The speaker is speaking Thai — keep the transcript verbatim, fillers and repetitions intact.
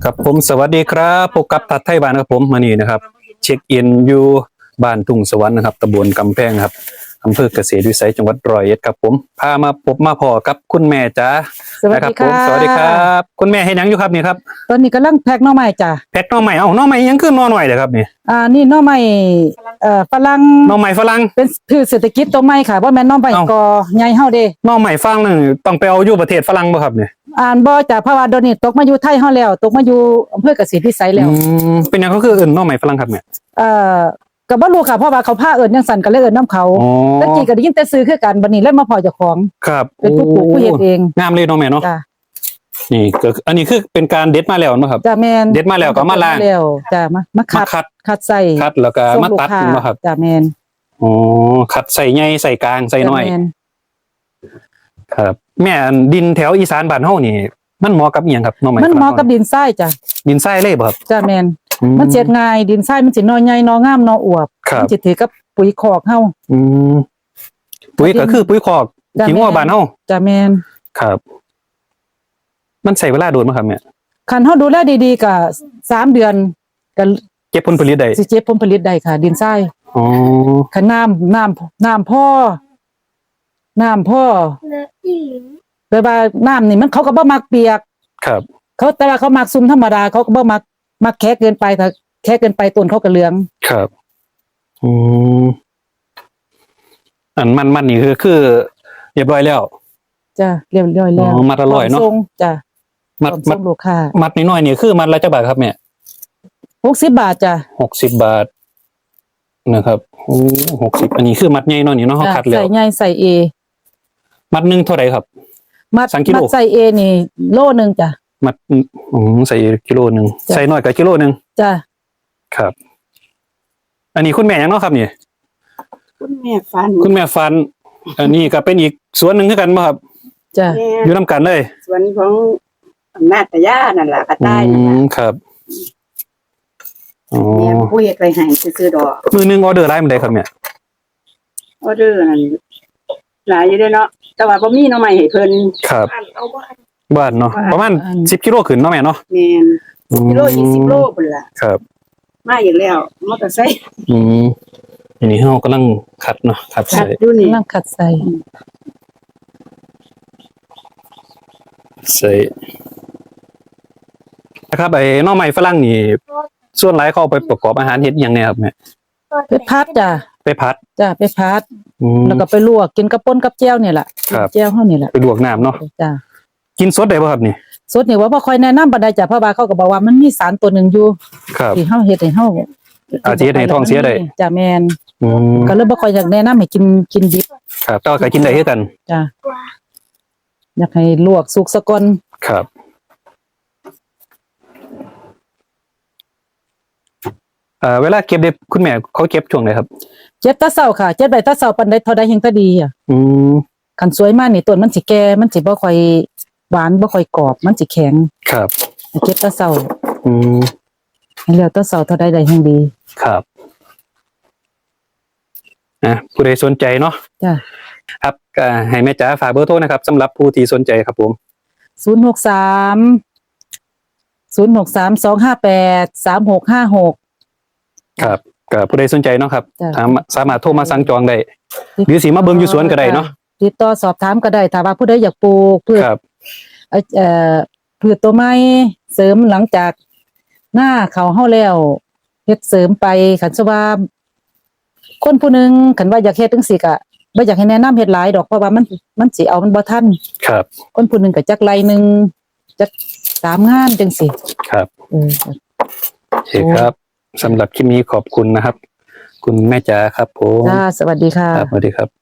ครับผมสวัสดีครับพบกับทัดไทยบ้านครับผมมานี่นะครับเช็คอินอยู่บ้านทุ่งสวรรค์นะครับตำบลกำแพงครับอำเภอเกษตรวิสัยจังหวัดร้อยเอ็ดครับผมพามาพบมาพอกับคุณแม่จ๋าสวัสดีค่ะผมสวัสดีครับคุณแม่ให้ยังอยู่ครับนี่ครับตอนนี้กำลังแพ็คหน่อไม้จ้ะแพ็คหน่อใหม่เอ้าหน่อใหม่ยังขึ้นหน่อหน่อยเลยครับนี่อ่านี่หน่อไม้เอ่อฝรั่งหน่อใหม่ฝรั่งเป็นพืชเศรษฐกิจตัวใหม่ค่ะบ่แม่นหน่อไม้เอ้ากอใหญ่เฮาเด้หน่อใหม่ฝรั่งนึงต้องไปเอาอยู่ประเทศฝรั่งบ่ครับนี่อ่านบ่จ้ะเพราะว่าเดี๋ยวนี้ตกมาอยู่ไทยเฮาแล้วตกมาอยู่อำเภอเกษตรวิสัยแล้วอืมเป็นหยังเขาคือเอิ้นหน่อใหม่ฝรั่งครับเนี่ยเอ่อก็บ่รู้ค่ะเพราะว่าเขาพาเอิ้นจังซั่นก็เลยเอิ้นนํเขาอ๋อตะกี้ก็ได้ยินแต่ซื้อคือกันบัดนี้เลยมาพอเจ้าของครับเป็นผู้ปลูกผู้เฮ็ดเองงามเลยเนาะแม่เนาะจ้ะนี่ก็คืออันนี้คือเป็นการเด็ดมาแล้วเนาะครับจ้ะแม่นเด็ดมาแล้วก็มาล้างแล้วจ้ะมามาคัมาดคัดคัดใส่คัดแล้วก็ส่งมาลูกตัดค้าเนาะครับจ้ะแม่นอ๋อคัดใส่ใหญ่ใส่กลางใส่น้อยจ้ะแม่นครับแม่อันดินแถวอีสานบ้านเฮานี่มันเหมาะกับอีหยังครับหน้องใหม่มันเหมาะกับฝรั่งดินทรายจ้ะดินทรายเลยบ่ครับจ้ะแม่นอืมันเจ็ดง่ายดินทรายมันสินอใหญ่นองามนออวบครับมันสิถือกับปุ๋ยคอกเฮาอืมปุ๋ยก็คือปุ๋ยคอกจ้ะขี้งัวแม่นบ้านเฮาจ้ะแม่นครับ มันใช้เวลาโดนบ่ครับแม่คันเฮาดูแลดีๆก็สามเดือนก็เก็บผลผลิตได้สิเก็บผลผลิตได้ค่ะ ดินทรายอ๋อคันน้ำน้ำน้ำพ่อน้ำพ่อแปลว่าน้ำนี่มันเขาก็บ่มักเปียกครับเขาแต่ว่าเขามักซุ่มธรรมดาเขาก็บ่มักมักแค่เกินไปถ้าแค่เกินไปต้นเขาก็เหลืองครับอืมอันมันมันนี่คือคือเรียบร้อยแล้วจ้ะเรียบร้อยแล้วอ๋อมัดละร้อยเนอะพมส่งจ้ะมัดพร้อมัดส่งลูกค้ามัดน้อยๆนี่คือมัดละจักบาทครับแม่หกสิบบาทจ้ะหกสิบบาทนะครับโอ้หกสิบอันนี้คือมัดใหญ่เนาะนี่เนาะเขาจ้ะคัดแล้วใส่ใหญ่ใส่เอมัดหนึงเท่าไหร่ครับมัดสามกิโลมัดใส่เอนี่โลนึงจ้ะมัดอืมใส่กิโลหนึ่งจ้ะใส่น้อยกับกิโลหนึ่งจ้ะครับ อันนี้คุณแม่ยังเนาะครับนี่คุณแม่ฟันคุณแม่ฟัน อันนี้ก็เป็นอีกสวนหนึ่งคือกันบ่ครับจ้ะแม่อยู่นํกันเลยสวนของอำนาจตะย่านั่นแหละกระอืต่ายนั่นมล่ะครับอ๋อแม่ผู้เฮ็ดไปให้ซื้อๆดอกมือหนึงออเดอร์ได้มันได้ครับเนี่ยออเดอร์นั่นหลายอยู่เด้อเนาะแต่ว่าบ่มีหน่อไม้ให้เพิ่นครับเอาบ่บ้านเนาะประมาณสิบกิโลขึ้นเนาะแม่เนาะแม่นอืมกิโลยี่สิบโลพุ่นล่ะครับมาอีกแล้วมอเตอร์ไซค์อืมอันนี้เรากำลังขัดเนาะขัดขัใส่ดอยู่นี่นั่งขัดใส่ใส่นะครับไอ้หน่อไม้ฝรั่งนี่ส่วนหลายเขาเอาไปประกอบอาหารเฮ็ดอหยังไงครับแม่ไปพัดจ้ะไปพัดจ้ะไปพัดอืมแล้วก็ไปลวกกินกับป่นกับแจ่วนี่แหละครับแจ่วเฮานี่แหละไปลวกน้ำเนาะจ้ะกินสดได้ป่ะครับนี่สดนี่ว่าบ่ค่อยแนะนำปานใดจ้ะเพราะว่าเขาก็บอกว่ามันมีสารตัวหนึงอยู่ครับที่เฮาเฮ็ดให้เฮาอาจจะเฮ็ดให้ท้องเสียได้จ้ะแม่นอืมก็เลยบ่ค่อยอยากแนะนำให้กินกินดิบครับแต่ว่าก็กินได้คือกันจ้ะอยากให้ลวกสุกซะก่อนครับเอ่อเวลาเก็บเด็บคุณแม่เขาเก็บช่วงไหนครับเจ็บแตะเช้าค่ะเจ็บได้แตะเช้าปานใดเท่าใดแห่งตะดีอ่ะอืมคันสวยมากนี่ต้นมันสิแก่มันสิบ่ค่อยหวานบ่ค่อยกรอบมันสิแข็งครับเก็บแตะเช้าอืมให้แล้วแตะเช้าเท่าใดได้แห่งดีครับนะผู้ใดสนใจเนาะจ้ะครับก็ให้แม่จ๋าฝากเบอร์โทรนะครับสำหรับผู้ที่สนใจครับผมศูนย์หกสาม ศูนย์หกสาม สองห้าแปด สามหกห้าหกครับก็ผู้ใดสนใจเนาะครับจ้ะสามสามารถโทรมาสั่งจองได้หรือสิมาเบิ่งอยู่สวนก็ได้เนาะติดต่อสอบถามก็ได้ถ้าว่าผู้ใดอยากปลูกพืชครับเอ่อเอ่อพืชตัวไม้เสริมหลังจากหน้าเขาเฮาแล้วเฮ็ดเสริมไปคันซะว่าคนผู้หนึงคันว่าอยากเฮ็ดจังซี่ก็บ่อยากให้แนะนำเฮ็ดหลายดอกเพราะว่ามันมันสิเอามันบ่ทันครับคนผู้หนึงก็จักไรหนึงจักสามงานจังซี่ครับเออโอเคครับสำหรับคลิปนี้ขอบคุณนะครับ คุณแม่จ๋าครับผมจ้าสวัสดีค่ะครับสวัสดีครับ